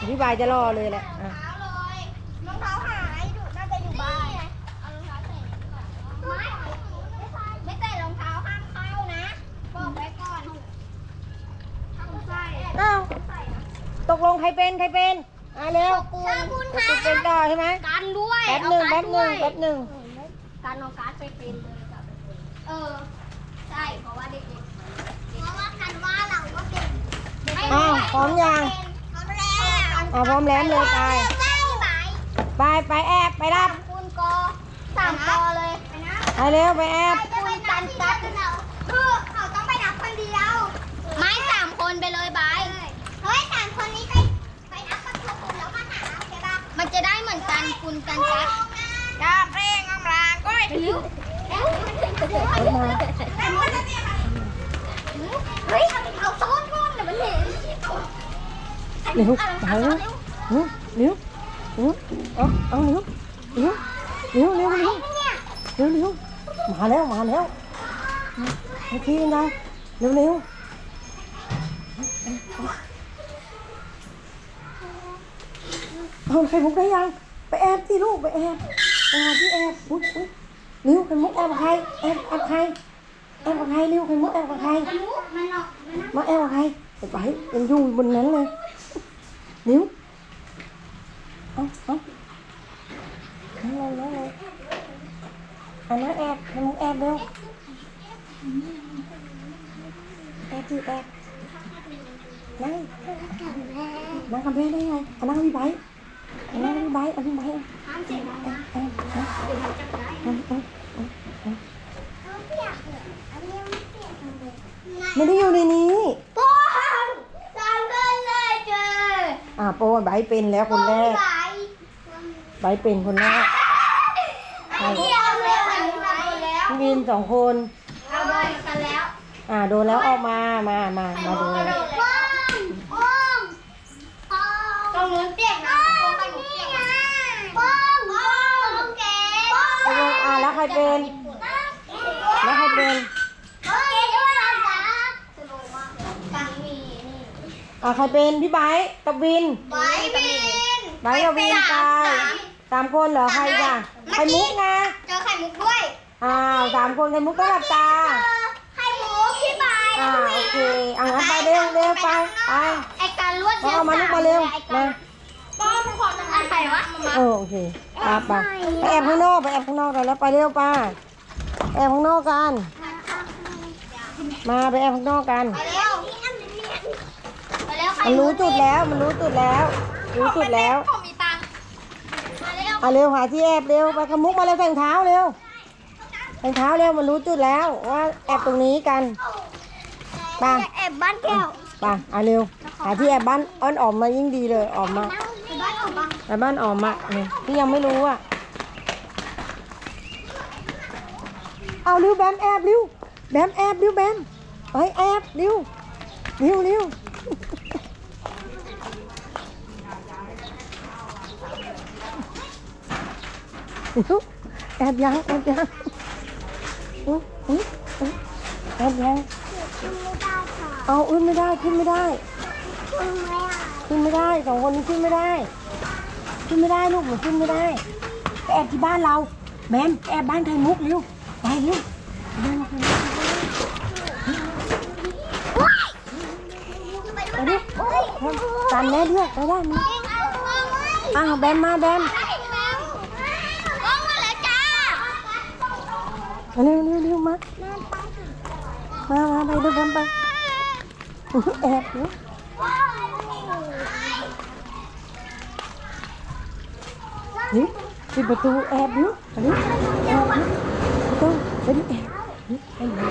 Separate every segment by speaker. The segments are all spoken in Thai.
Speaker 1: พี่บายจะรอเลยแหละ
Speaker 2: รองเท้าเลยรองเท้าหายน่าจะอยู่บ้านเอารองเท้าใส่ไม่ใส่รองเท้าห้ามเข้านะบอกไว้ก่อนถ้าคุณใส่
Speaker 1: อ้าวตกลงใครเป็นเร็ว
Speaker 2: คุณ
Speaker 1: เป็นต่อใช่ไหม
Speaker 2: กันด้วย
Speaker 1: แป๊บหนึ่ง
Speaker 2: กันเอาการ์ดไปเป็นเลยใช่เพราะว่าเด็กๆเพราะว่ากันว่าเราก็เป็น
Speaker 1: อ้าวพร้อมยังพร้อมแล้วเลยไปแอบไปรับ
Speaker 2: คุณกอ3 กอเลย
Speaker 1: ไปเร็วไปแอบ
Speaker 2: คุณกันจัดคือเขาต้องไปนับคนเดียวไม่3 คนไปเลยบายเฮ้ย3 คนนี้ไปนับกันทุกคนแล้วมาหาใช่ปะมันจะได้เหมือนกันคุณกันจัดกาเร่งอำลางก้อยเฮ้ยเอาซ้อนก้อนเดี๋ยวมันเห็น
Speaker 1: เร็วไปเร็วเอาเร็วมาแล้วไอ้พี่นะเร็วเอาไข่มุกได้ยังไปแอบที่ลูกไปแอบที่แอบอุ๊ยเร็วไข่มุกแอบกับใครแอบกับใครเร็วไข่มุกแอบกับใครมาแอบกับใครไปยังอยู่บนนั้นเลยเร็วเอานั่งอันนั้นแอบไข่มุกแอบเร็วแอบนั่งกับแม่ได้ไงนั่งพี่ไบไม่ได้อยู่ในนี้
Speaker 2: โป้3 คนเลยเจอ
Speaker 1: โป้ไบเป็นแล้วคนแรกไบเป็นคนแรกพี่วิน2 คน
Speaker 2: เอาโดนกันแล้ว
Speaker 1: โดนแล้วออกมาดู
Speaker 2: ตรงนู้นเปียกนะตรงนู้นเปียกนะป้องเก๋
Speaker 1: แล้วใครเป็น
Speaker 2: เก๋ด้วยนะสโลว์มากปังมีนี่
Speaker 1: ใครเป็นพี่ไบกับวิน
Speaker 2: ไบ
Speaker 1: กับวินตาย3 คนเหรอใครจ้ะไข่มุกนะ
Speaker 2: เจอไข่มุกด้วย
Speaker 1: 3 คนไข่มุกก็หลับตา
Speaker 2: ไข่มุกพี่ไบ
Speaker 1: โอเคงั้นไปเร็วไป
Speaker 2: ไอการลวดเชื
Speaker 1: อกมาลูกมาเร็วมา
Speaker 2: ป้อนขอจะทำไข่วะ
Speaker 1: โอเคไปแอบข้างนอกกันแล้วไปเร็วป้าแอบข้างนอกกันมาไปแอบข้างนอกกันมันรู้จุดแล้วผมมีตังเร็วหาที่แอบเร็วไปขมุกมาเร็วแต่งเท้าเร็วมันรู้จุดแล้วว่าแอบตรงนี้กันไป
Speaker 2: แอบบ้านแก้ว
Speaker 1: ไปเร็วหาที่แอบบ้านอ้อนออกมายิ่งดีเลยออกมาบ้านออกมาเนี่ยที่ยังไม่รู้เอาเร็วแบมแอบเร็วแบมไปแอบเร็วแอบยังแอบยังเอาไม่ได้ขึ้นไม่ได้2 คนนี้ขึ้นไม่ได้ลูกหนูขึ้นไม่ได้ไปแอบที่บ้านเราแบมแอบบ้านไข่มุกเร็วไปเร็วตามแม่ด้วยไปได้ไหมแบมมาเร็วมาไปดูกันไปแอบนี่ปิดประตูแอบดูประตูไปดิแอบให้หนู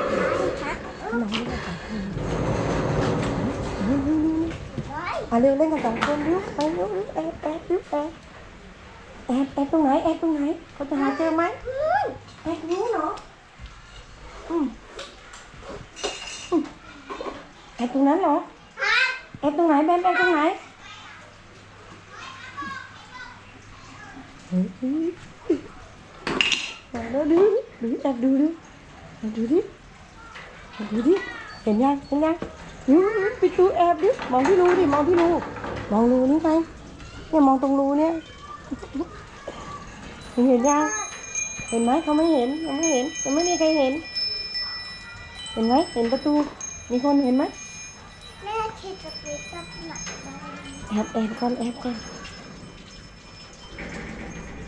Speaker 1: เร็วเล่นกัน2 คนเร็วไปเร็วแอบตรงไหนเขาจะหาเจอไหมแอบนี้เหรอแอบตรงนั้นเหรอแอบตรงไหนแบมแอบตรงไหนดูแอบดูดิเห็นยังปิดตู้แอบดิมองที่รูมองรูนี่ไปเนี่ยมองตรงรูเนี่ยเห็นยังเห็นไหมเขาไม่เห็นยังไม่เห็นยังไม่มีใครเห็นเห็นไหมเห็นประตูมีคนเห็นไหม
Speaker 2: แม่คิดจะไปจับหนักได้
Speaker 1: แอบก่อนแอบก่อน